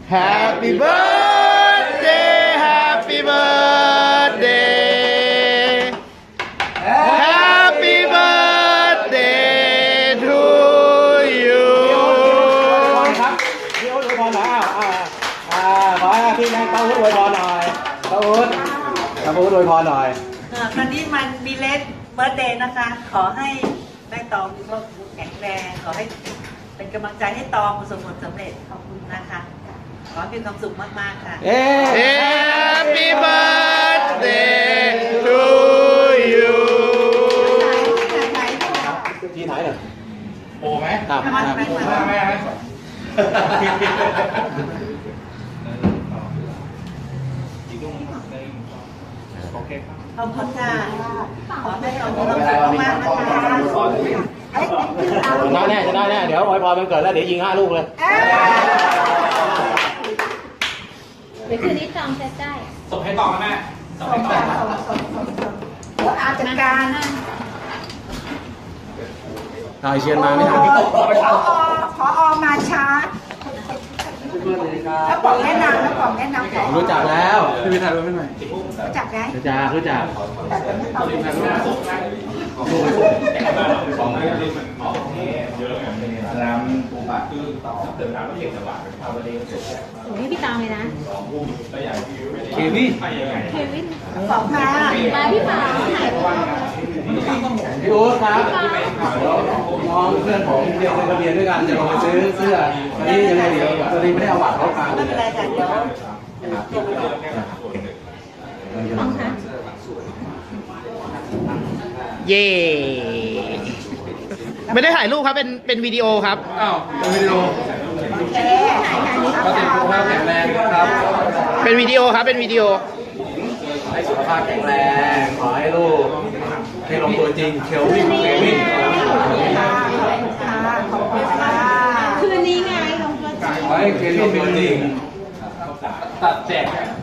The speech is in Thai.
Happy birthday Happy birthday Happy birthday to you ครับพี่อุ๊ดอวยพรหน่อยขอให้พี่แม่เต้าอุ๊ดอวยพรหน่อยเต้าอุ๊ดอวยพรหน่อยตอนนี้มันมีเลสเบิร์ธเดย์นะคะขอให้แม่ตองมีความสุขแข็งแรงขอให้เป็นกำลังใจให้ตองประสบผลสำเร็จขอบคุณนะคะขอให้มีความสุขมากๆค่ะ Happy birthday to you ที่ไหนเนี่ยโอ้ไหมไม่โอเคขอบคุณค่ะขอให้เรามีความสุขมากๆนะคะจะได้แน่เดี๋ยวอวยพรมันเกิดแล้วเดี๋ยวยิง5 ลูกเลยเดี๋ยวคืนนี้จองจะได้ส่งให้ต่อแม่ส่งให้ต่อเดี๋ยวอาจารย์การถ่ายเชียนมาไม่ทันพอมาช้าแล้วบอกแนะนำรู้จักแล้วพี่วิทย์ถ่ายรูปให้หน่อยรู้จักไหมรู้จักน้ำปูปลาคือเติมน้ำแล้วเก็บจังหวะเป็นภาพวันนี้เสร็จแล้วโอ้ยพี่ตองเลยนะเควินบอกมาพี่ปาถ่ายรูปพี่อุ๊ดครับน้องเพื่อนผมเรียนทะเบียนด้วยกันจะลงไปซื้อเสื้อตอนนี้ยังไงเดี๋ยวตอนนี้ไม่ได้เอาบัตรเข้าคางไม่เป็นไรค่ะเดี๋ยวเย่ไม่ได้ถ่ายรูปครับเป็นวิดีโอครับเป็นวิดีโอก็ติดสุขภาพแข็งแรงครับเป็นวิดีโอครับเป็นวิดีโอให้สุขภาพแข็งแรงขอให้ลูกให้ลงตัวจริงเควินคืนนี้ไงลงตัวจริงขอให้เควินเป็นจริงตัดแจก